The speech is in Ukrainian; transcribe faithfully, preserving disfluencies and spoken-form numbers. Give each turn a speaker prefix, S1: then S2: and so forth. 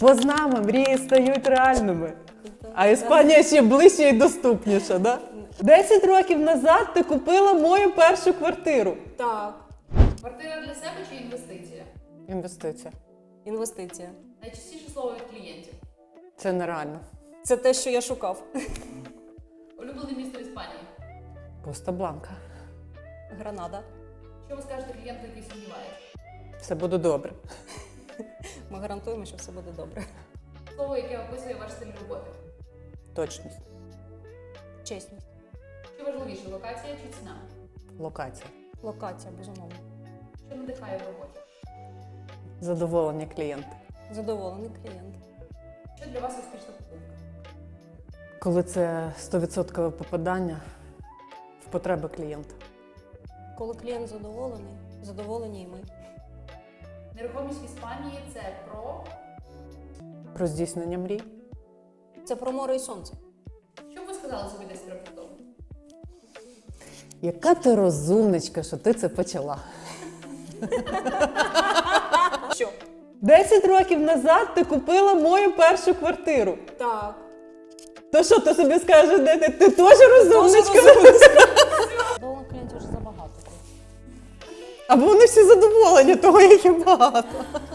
S1: Позна мрії стають реальними. А Іспанія ще ближче і доступніша, да? Десять років назад ти купила мою першу квартиру.
S2: Так.
S3: Квартира для себе чи інвестиція?
S1: Інвестиція.
S2: Інвестиція.
S3: Найчастіше слово від клієнтів.
S1: Це нереально.
S2: Це те, що я шукав.
S3: Улюблене місто Іспанії.
S1: Коста Бланка.
S2: Гранада.
S3: Що ви скажете клієнту, який сумнівається?
S1: Все буде добре.
S2: Ми гарантуємо, що все буде добре.
S3: Слово, яке описує ваш стиль роботи.
S1: Точність.
S2: Чесність.
S3: Що важливіше, локація чи ціна?
S1: Локація.
S2: Локація, безумовно.
S3: Що надихає в роботі?
S1: Задоволення клієнта.
S2: Задоволений клієнт.
S3: Що для вас успішна покупка?
S1: Коли це сто відсотків попадання в потреби клієнта.
S2: Коли клієнт задоволений, задоволені і ми.
S3: Нерухомість в Іспанії – це про…
S1: Про здійснення мрій.
S2: Це про море і сонце.
S3: Що б ви сказали собі десять років тому?
S1: Яка ти розумничка, що ти це почала.
S2: Що?
S1: Десять років назад ти купила мою першу квартиру.
S2: Так.
S1: То що, ти собі скажеш, де ти? Ти теж розумничка?
S2: Задоволених клієнтів вже забагато.
S1: Або вони всі задоволені того, як і багато.